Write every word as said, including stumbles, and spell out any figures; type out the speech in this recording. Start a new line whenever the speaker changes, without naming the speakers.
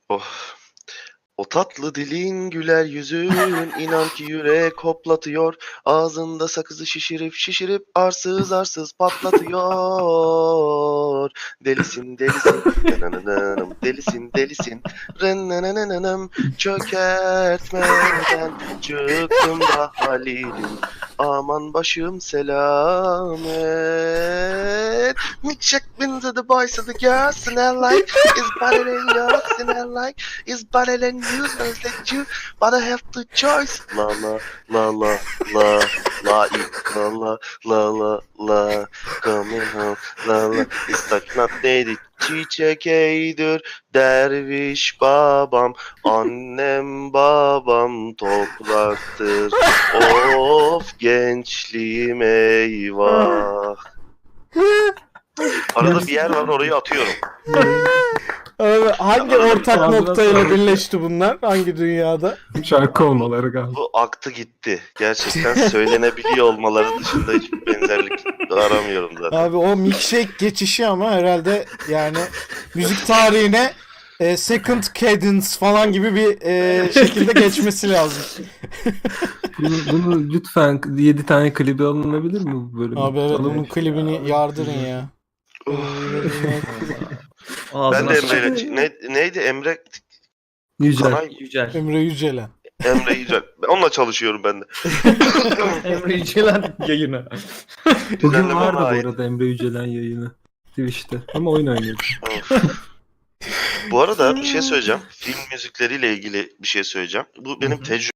Oh. O tatlı dilin, güler yüzün, inan ki yürek hoplatıyor. Ağzında sakızı şişirip şişirip arsız arsız patlatıyor. Delisin delisin, nanananam, delisin delisin, rennenenenenam. Çökertmeden çıktım da Halil'im. Aman başım selamet. Me check into the boys of the girls and I like is better than yours and I like is better than you, knows that you but I have the choice. La la la la la la la la la la la coming home la la istak not dedi çiçek eğdir derviş babam annem babam topraktır of gençliğim eyvah. Arada bir yer var orayı atıyorum.
Abi, hangi ortak noktayla birleşti bunlar? Hangi dünyada?
Şarkı olmaları galiba.
Bu aktı gitti. Gerçekten söylenebiliyor olmaları dışında hiçbir benzerlik aramıyorum zaten.
Abi o milkshake geçişi ama herhalde yani müzik tarihine e, second cadence falan gibi bir e, şekilde geçmesi lazım.
Bunu, bunu lütfen yedi tane klibi alınabilir mi bu bölüm?
Abi evet, bunun
Alınmış.
klibini yardırın ya.
Ben
Ağzına
de
sıçıyor.
Emre'yle... Ne, neydi Emre?
Yücel.
Kanay,
Yücel.
Emre Yücelen.
Emre Yücel. Onunla çalışıyorum ben de.
Emre Yücel'in yayını.
Bugün
Düzenleme
vardı
ona ait.
bu arada Emre Yücelen yayını. Twitch'te. Ama oyun oynuyordu.
Bu arada bir şey söyleyeceğim. Film müzikleriyle ilgili bir şey söyleyeceğim. Bu benim tecrübem.